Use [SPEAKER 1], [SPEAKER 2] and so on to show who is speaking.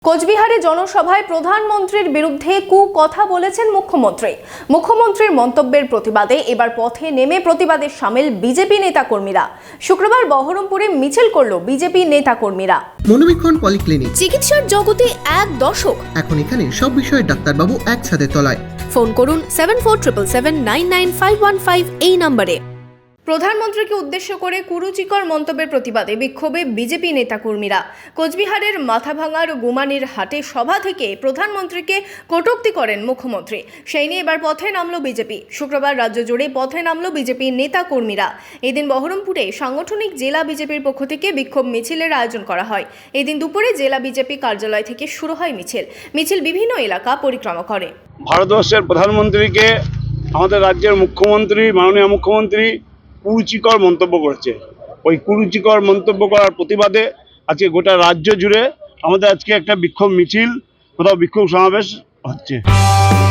[SPEAKER 1] কোচবিহারে জনসভায় প্রধানমন্ত্রীর বিরুদ্ধে কথা বলেছেন মুখ্যমন্ত্রীর মন্তব্যের প্রতিবাদে এবার পথে নেমে প্রতিবাদে সামিল বিজেপি নেতাকর্মীরা। শুক্রবার বহরমপুরে মিছিল করল বিজেপি নেতাকর্মীরা।
[SPEAKER 2] মনোবীক্ষণ পলিক্লিনিক,
[SPEAKER 1] চিকিৎসার জগতে এক দশক।
[SPEAKER 2] এখন এখানে সব বিষয়ে ডাক্তারবাবু একসাথে তলায়।
[SPEAKER 1] ফোন করুন 7477799515 এই নম্বরে। প্রধানমন্ত্রীকে উদ্দেশ্য করে কুরুচিকর মন্তব্যের প্রতিবাদে বিক্ষোভে বিজেপি নেতাকর্মীরা। কোচবিহারের মাথাভাঙার গুমানির হাটে সভা থেকে প্রধানমন্ত্রীকে কটূক্তি করেন মুখ্যমন্ত্রী। সেই নিয়ে এবার পথে নামল বিজেপি। শুক্রবার রাজ্য জুড়ে পথে নামল বিজেপি নেতাকর্মীরা। এদিন বহরমপুরে সাংগঠনিক জেলা বিজেপির পক্ষ থেকে বিক্ষোভ মিছিলের আয়োজন করা হয়। এদিন দুপুরে জেলা বিজেপি কার্যালয় থেকে শুরু হয় মিছিল বিভিন্ন এলাকা পরিক্রমা করে।
[SPEAKER 3] ভারতবর্ষের প্রধানমন্ত্রীকে আমাদের রাজ্যের মুখ্যমন্ত্রী, মাননীয় মুখ্যমন্ত্রী কুরুচিকর মন্তব্য করেছে। ওই কুরুচিকর মন্তব্য করার প্রতিবাদে আজকে গোটা রাজ্য জুড়ে আমাদের আজকে একটা বিক্ষোভ মিছিল, কোথাও বিক্ষোভ সমাবেশ হচ্ছে।